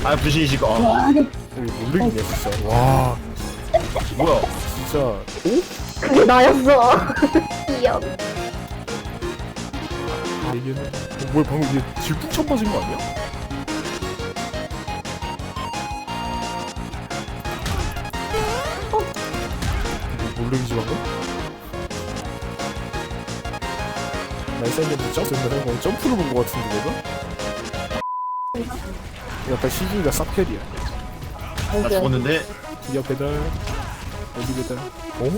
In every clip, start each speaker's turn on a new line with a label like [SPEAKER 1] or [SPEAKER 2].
[SPEAKER 1] 아 분신이시고.
[SPEAKER 2] 모르겠네 진짜. 와
[SPEAKER 1] 뭐야?
[SPEAKER 2] 진짜. 오?
[SPEAKER 3] 그게 나였어. 귀여워.
[SPEAKER 2] 얘기는 뭐야 방금 얘 질풍천 맞은 거 아니야? 모르겠지 방금? 날쌘는데 점프를 점프를 본 거 같은데 내가? 약간 시기가 쌉캐리야.
[SPEAKER 1] 나 죽었는데.
[SPEAKER 2] 기어 배달 어디 배달? 어?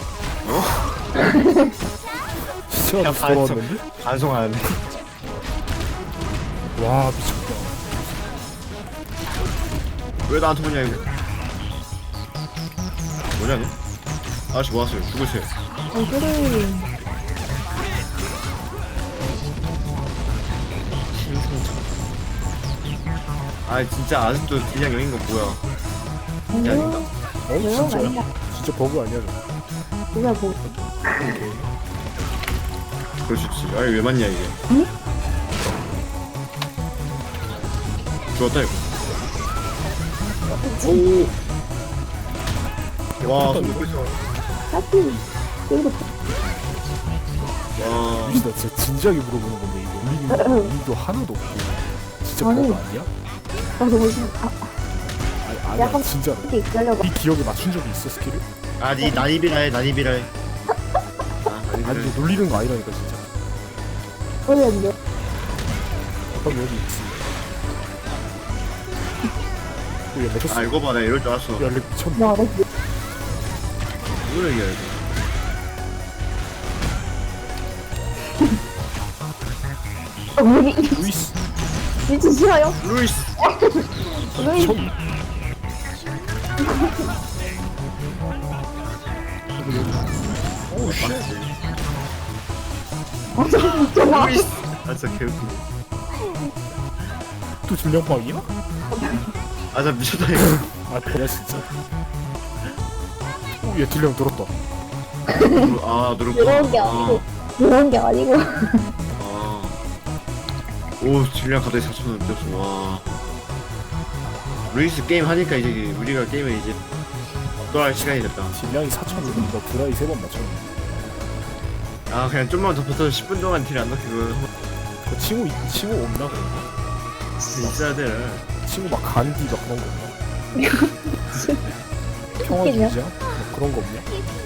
[SPEAKER 2] 시체가 다시 돌아왔는데?
[SPEAKER 1] 반송하는데.
[SPEAKER 2] 와 미쳤다.
[SPEAKER 1] 왜 나한테 보냐 이거? 뭐냐 너? 아저씨 뭐하세요? 죽으세요.
[SPEAKER 3] 그래.
[SPEAKER 1] 아 진짜 아직도 딜량 여긴 거 뭐야? 이게 아닌가?
[SPEAKER 2] 어? 진짜야? 진짜 버그 아니야 저거?
[SPEAKER 3] 누가 뭐?
[SPEAKER 1] 그럴 수 있지. 아니 왜 맞냐 이게?
[SPEAKER 3] 응?
[SPEAKER 1] 죽었다 이거. 오. 와 손 놓고 있어.
[SPEAKER 3] 하필 이거
[SPEAKER 1] 와.
[SPEAKER 2] 진짜 진짜 진지하게 물어보는 건데 이거 우리도 하나도 없고 진짜
[SPEAKER 3] 아니.
[SPEAKER 2] 버그 아니야?
[SPEAKER 3] 나 너무 싫어.
[SPEAKER 2] 아니야
[SPEAKER 3] 약간
[SPEAKER 2] 진짜로.
[SPEAKER 3] 이렇게 이끌려고.
[SPEAKER 2] 네 기억에 맞춘 적이 있어 스킬을?
[SPEAKER 1] 아니 난입이라 해 난입이라 해.
[SPEAKER 2] 아니 이거 놀리는 거 아니라니까 진짜.
[SPEAKER 3] 모르겠는데.
[SPEAKER 2] 그럼 여기 있지. 야 내쳤어.
[SPEAKER 1] 아 이거 봐, 나 이럴 줄 알았어.
[SPEAKER 2] 야 렉 미쳤네.
[SPEAKER 3] 와, 나
[SPEAKER 1] 뭐야 이게 이거.
[SPEAKER 3] 우리
[SPEAKER 2] 루이스.
[SPEAKER 3] 진짜 싫어요.
[SPEAKER 1] 루이스.
[SPEAKER 3] 루이스.
[SPEAKER 2] 처음. 오우 쉣.
[SPEAKER 3] 미쳤나?
[SPEAKER 1] 루이스. 아 진짜 개웃기네.
[SPEAKER 2] 또 질량방이야?
[SPEAKER 1] 아 진짜 미쳤다 이거.
[SPEAKER 2] 아 그래 진짜. 오, 얘 딜량 들었다.
[SPEAKER 1] 아 누르고.
[SPEAKER 3] 이런 게 아니고. 이런 게 아니고.
[SPEAKER 1] 아. 오 질량 갑자기 4,000원 뛰었어. 와. 루이스 게임 하니까 이제 우리가 게임을 이제 또 할 시간이 됐다.
[SPEAKER 2] 딜량이 4,000원. 너 드라이 3번 맞췄네.
[SPEAKER 1] 아 그냥 좀만 더 버텨서 10분 동안 딜 안 넣히고
[SPEAKER 2] 그 칭호 없나 그런 거?
[SPEAKER 1] 있어야 돼.
[SPEAKER 2] 칭호 막 간디 막 그런 거 없나? 평화
[SPEAKER 3] 웃기냐?
[SPEAKER 2] 주자? 뭐 그런 거 없냐?